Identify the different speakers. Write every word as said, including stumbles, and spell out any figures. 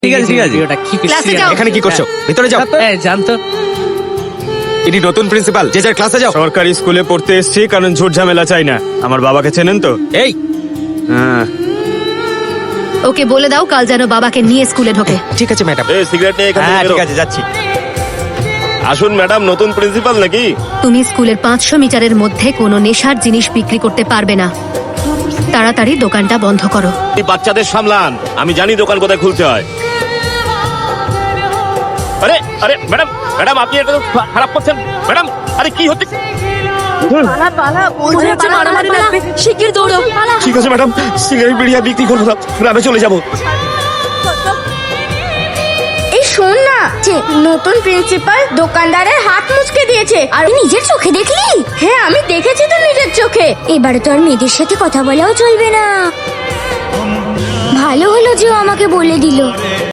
Speaker 1: ঠিক আছে ঠিক আছে
Speaker 2: ওটা কি
Speaker 3: ক্লাসে যাও।
Speaker 1: এখানে কি করছো ভিতরে যাও
Speaker 2: হ্যাঁ জানতো
Speaker 1: ইনি নতুন প্রিন্সিপাল যে যার ক্লাসে যাও
Speaker 4: সরকারি স্কুলে পড়তে এসেছি কারণ ঝুট ঝামেলা চাই না। আমার বাবাকে চেনেন তো?
Speaker 1: এই
Speaker 4: হ্যাঁ।
Speaker 3: ওকে বলে দাও কাল যেন বাবাকে নিয়ে স্কুলে ঢোকে।
Speaker 1: ঠিক আছে ম্যাডাম
Speaker 5: এই সিগারেট নিয়ে এখান থেকে
Speaker 1: হ্যাঁ
Speaker 5: বেরো।
Speaker 1: ঠিক আছে যাচ্ছি
Speaker 5: আসুন ম্যাডাম, নতুন প্রিন্সিপাল নাকি?
Speaker 3: তুমি স্কুলের পাঁচশো মিটারের মধ্যে কোনো নেশার জিনিস বিক্রি করতে পারবে না। তাড়াতাড়ি দোকানটা বন্ধ করো।
Speaker 5: এই বাচ্চাদের সামলান, আমি জানি দোকান কোথায় খুলতে হয়। আরে আরে ম্যাডাম ম্যাডাম আপনি এটা তো খারাপ করছেন ম্যাডাম। আরে কি হচ্ছে?
Speaker 3: শিগগির দৌড়ো।
Speaker 5: ঠিক আছে ম্যাডাম, সিগারেট বিড়িয়া বিক্রি করবো না, গ্রামে চলে যাবো।
Speaker 6: এই শোন না, যে নতুন প্রিন্সিপাল দোকানদারের হাত মুচকে দিয়েছে। আর নিজের চোখে দেখলি? হ্যাঁ আমি দেখেছি তো নিজের চোখে। এবারে তো আর মেয়েদের সাথে কথা বলাও চলবে না। ভালো হলো যে ও আমাকে বলে দিল।